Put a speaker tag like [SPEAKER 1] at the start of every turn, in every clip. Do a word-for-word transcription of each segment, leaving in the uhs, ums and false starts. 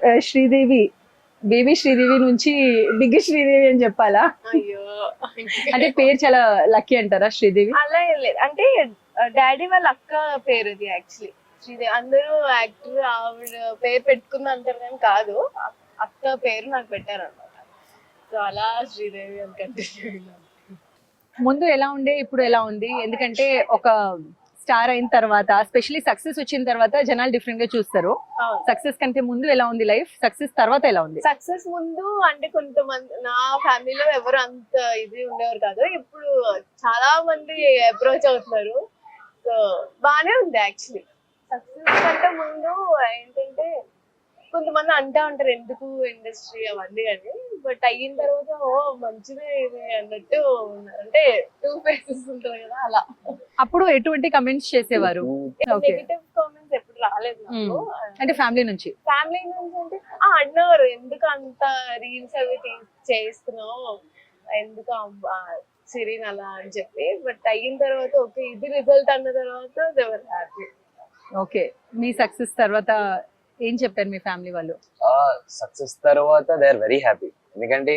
[SPEAKER 1] Sridevi baby Sridevi నుంచి big Sridevi అని చెప్పాలా?
[SPEAKER 2] అయ్యో
[SPEAKER 1] అంటే పేరు చాలా లక్కీ అంటారా శ్రీదేవి?
[SPEAKER 2] అలా ఏం లేదు, అంటే డాడీ వాళ్ళ అక్క పేరు ఇది యాక్చువల్లీ శ్రీదేవి. అందరూ యాక్టర్ ఆవిడ పేరు పెట్టుకుంది అంటారు కానీ కాదు, అక్క పేరు నాకు పెట్టారు అనమాట. సో అలా శ్రీదేవి అని కంటిన్యూ.
[SPEAKER 1] ముందు ఎలా ఉండే ఇప్పుడు ఎలా ఉంది? ఎందుకంటే ఒక స్టార్ అయిన తర్వాత, స్పెషల్లీ సక్సెస్ వచ్చిన తర్వాత జనాలు డిఫరెంట్ గా చూస్తారు. సక్సెస్ కంటే ముందు ఎలా ఉంది లైఫ్, సక్సెస్ తర్వాత ఎలా ఉంది?
[SPEAKER 2] సక్సెస్ ముందు అంటే కొంతమంది నా ఫ్యామిలీలో ఎవరు అంత ఇది ఉండేవారు కాదు, ఇప్పుడు చాలా మంది అప్రోచ్ అవుతున్నారు. సో బానే ఉంది యాక్చువల్లీ. సక్సెస్ కంటే ముందు ఏంటంటే కొంతమంది అంటా ఉంటారు ఎందుకు ఇండస్ట్రీ అవన్నీ అని, బట్ అయిన తర్వాత ఓ మంచిదే ఇది అన్నట్టు ఉన్నారు. అంటే టూ ఫేసెస్ ఉంటారు కదా అలా.
[SPEAKER 1] అప్పుడు ఎటువంటి కమెంట్స్ చేసేవారు?
[SPEAKER 2] నెగటివ్ కామెంట్స్ ఎప్పుడు రాలేదు నాకు.
[SPEAKER 1] అంటే ఫ్యామిలీ నుంచి?
[SPEAKER 2] ఫ్యామిలీ నుంచి అంటే ఆ అన్నారు ఎందుకు అంత రీల్స్ అవి చేస్తున్నావు, ఎందుకు సిరీన్ అలా అని చెప్పి. బట్ అయిన తర్వాత ఓకే ఇది రిజల్ట్ అన్న తర్వాత దే వర్ హ్యాపీ.
[SPEAKER 1] ఓకే, మీ సక్సెస్ తర్వాత ఏం చెప్పారు మీ ఫ్యామిలీ వాళ్ళు?
[SPEAKER 3] సక్సెస్ తర్వాత దే ఆర్ వెరీ హ్యాపీ. ఎందుకంటే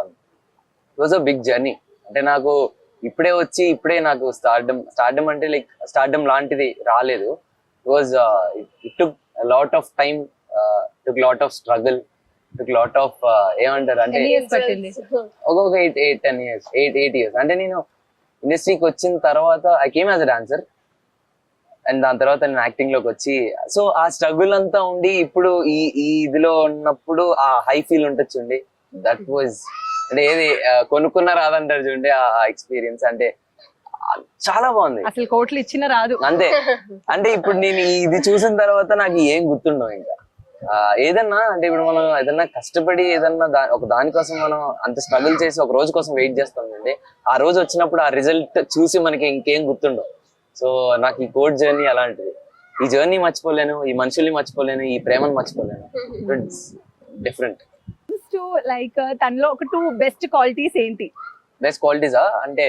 [SPEAKER 3] it was a big journey. అంటే నాకు ఇప్పుడే వచ్చి ఇప్పుడే నాకు స్టార్డమ్ స్టార్డమ్ అంటే లైక్ స్టార్డమ్ లాంటిది రాలేదు. It was it took lot of time, took lot of struggle, took lot of ఏమంటారు అంటే ఒక్కొక్క eight eight ten years eight eight years అంటే నేను ఇండస్ట్రీకి వచ్చిన తర్వాత I came as a dancer and దాని తర్వాత నేను యాక్టింగ్ లోకి వచ్చి, సో ఆ స్ట్రగుల్ అంతా ఉండి ఇప్పుడు ఈ ఈ ఇదిలో ఉన్నప్పుడు ఆ హై ఫీల్ ఉంటుంది చూడండి, దట్ వాజ్ అంటే ఏది కొనుక్కున్న రాదంటారు చూడండి ఆ ఎక్స్పీరియన్స్. అంటే చాలా బాగుంది.
[SPEAKER 1] అసలు కోట్లు ఇచ్చిన రాదు
[SPEAKER 3] అంతే. అంటే ఇప్పుడు నేను ఇది చూసిన తర్వాత నాకు ఏం గుర్తుండవు ఇంకా. ఏదన్నా అంటే ఇప్పుడు మనం ఏదన్నా కష్టపడి ఏదన్నా దా ఒక దానికోసం మనం అంత స్ట్రగుల్ చేసి ఒక రోజు కోసం వెయిట్ చేస్తాం అండి, ఆ రోజు వచ్చినప్పుడు ఆ రిజల్ట్ చూసి మనకి ఇంకేం గుర్తుండవు. సో నాకు ఈ కోడ్ జర్నీ అలాంటిది. ఈ జర్నీ మర్చిపోలేను, ఈ మనుషుల్ని మర్చిపోలేను, ఈ ప్రేమను మర్చిపోలేను. It's different.
[SPEAKER 1] లైక్ తనలో ఒక టూ బెస్ట్ క్వాలిటీస్ ఏంటి?
[SPEAKER 3] బెస్ట్ క్వాలిటీసా అంటే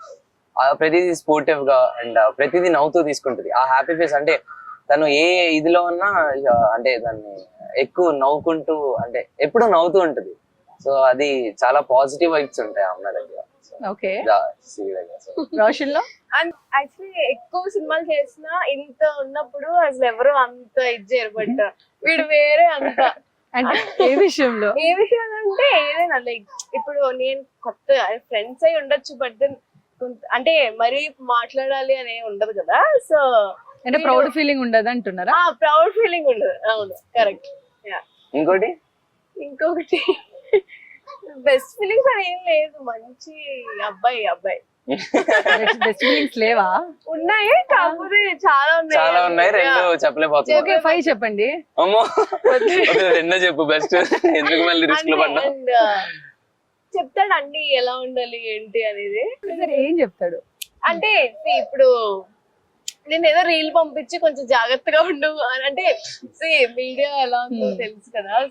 [SPEAKER 3] ప్రతిదీ స్పోర్టివ్ గా అండ్ ప్రతిదీ నవ్వుతూ తీసుకుంటుంది. ఆ హ్యాపీ ఫేస్ అంటే తను ఏ ఇదిలో ఉన్నా అంటే దాన్ని ఎక్కువ నవ్వుకుంటూ అంటే ఎప్పుడు నవ్వుతూ ఉంటుంది. సో అది చాలా పాజిటివ్ వైబ్స్ ఉంటాయి ఆ అమ్మాయి దగ్గర.
[SPEAKER 1] ఓకే,
[SPEAKER 2] రోషన్ లో అండ్ యాక్చువల్లీ ఎక్కువ సినిమాలు చేసినా ఇంత ఉన్నప్పుడు అసలు ఎవరు అంత ఇది చేయరు, బట్ వీడు వేరే అంత.
[SPEAKER 1] అంటే ఏ విషయంలో?
[SPEAKER 2] ఏ విషయం అంటే ఏదైనా లైక్ ఇప్పుడు నేను కొత్త ఫ్రెండ్స్ అయి ఉండొచ్చు, బట్ దెన్ అంటే మరీ మాట్లాడాలి అనే ఉండదు కదా. సో
[SPEAKER 1] అంటే ప్రౌడ్ ఫీలింగ్ ఉండదు అంటున్నారా?
[SPEAKER 2] ప్రౌడ్ ఫీలింగ్ ఉండదు. అవును, కరెక్ట్.
[SPEAKER 3] ఇంకోటి
[SPEAKER 2] ఇంకొకటి బెస్ట్ ఫీలింగ్స్ అని ఏం లేదు, మంచి అబ్బాయి అబ్బాయి.
[SPEAKER 1] బెస్ట్ ఫీలింగ్స్ లేవా?
[SPEAKER 2] ఉన్నాయి, కాకపోతే చాలా ఉన్నాయి.
[SPEAKER 3] చాలా ఉన్నాయి, రెండు చెప్పలేకపోతున్నా.
[SPEAKER 1] ఓకే, ఫైవ్ చెప్పండి.
[SPEAKER 3] అమ్మో రెండో చెప్పు బెస్ట్. ఎందుకు మళ్ళీ రిస్క్ లో పడ్డా?
[SPEAKER 2] చెప్తాడు అన్ని ఎలా ఉండాలి ఏంటి అనేది.
[SPEAKER 1] ఏం చెప్తాడు
[SPEAKER 2] అంటే ఇప్పుడు నేను ఏదో రీల్ పంపించి కొంచెం జాగ్రత్తగా ఉండు అని అంటే మీడియా ఎలా ఉందో తెలుసు కదా.